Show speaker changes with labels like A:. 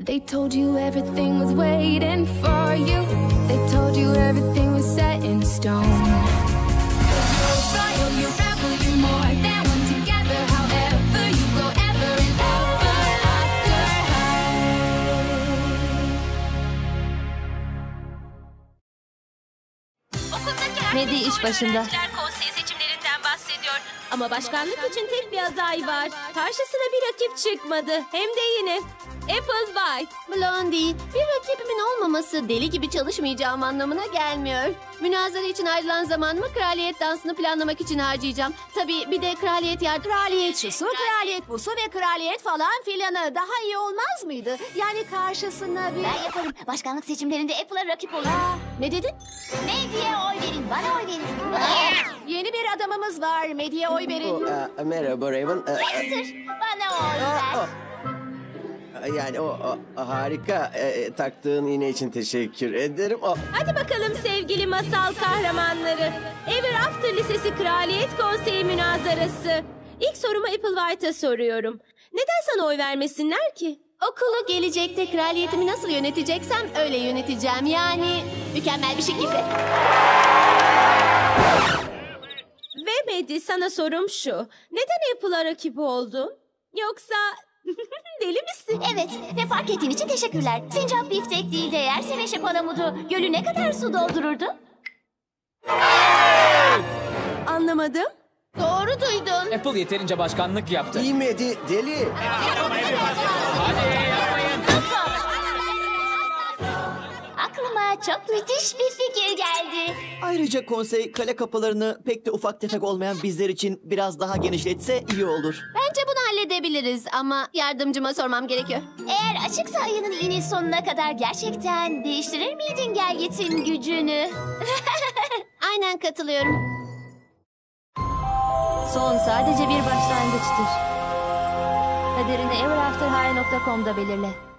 A: They told you everything was waiting for you. They told you everything was set in stone. You're royal, you're rebel, you're more than one together. However you go, ever and ever after high.
B: Medi iş başında.
C: Konseyi seçimlerinden bahsediyor. Ama başkanlık için tek bir aday var. Karşısına bir rakip çıkmadı. Hem de yine Applewhite.
D: Blondie, bir rakibimin olmaması deli gibi çalışmayacağım anlamına gelmiyor. Münazara için ayrılan zamanımı kraliyet dansını planlamak için harcayacağım. Tabii bir de kraliyet
E: Kraliyet şusu, kraliyet busu ve kraliyet falan filanı. Daha iyi olmaz mıydı? Yani karşısına bir...
F: Ben yaparım. Başkanlık seçimlerinde Apple'a rakip olur.
E: Ne dedin?
F: Medya'ya oy verin, bana oy verin.
E: Yeni bir adamımız var. Medya'ya oy verin.
G: Merhaba Raven.
F: Lester, bana oy ver.
G: Yani o harika taktığın iğne için teşekkür ederim.
C: Hadi bakalım sevgili masal kahramanları. Ever After Lisesi Kraliyet Konseyi münazarası. İlk sorumu Applewhite'a soruyorum. Neden sana oy vermesinler ki?
D: okulu gelecekte kraliyetimi nasıl yöneteceksem öyle yöneteceğim. Yani mükemmel bir şekilde.
C: Ve Medi, sana sorum şu. Neden Apple'a rakip oldun? Yoksa deli misin?
F: Evet ve fark ettiğin için teşekkürler. Sincap biftek değil de yerse meşe palamudu gölü ne kadar su doldururdu?
C: Anlamadım.
D: Doğru duydun.
H: Apple yeterince başkanlık yaptı.
G: İyi mi deli?
F: Aklıma çok müthiş bir fikir geldi.
I: Ayrıca konsey kale kapılarını pek de ufak tefek olmayan bizler için biraz daha genişletse iyi olur.
D: Bence bunu halledebiliriz ama yardımcıma sormam gerekiyor.
F: Eğer açıksa ayının iğne sonuna kadar gerçekten değiştirir miydin Gelgit'in gücünü?
D: Aynen katılıyorum.
B: Son sadece bir başlangıçtır. Kaderini everafterhigh.com'da belirle.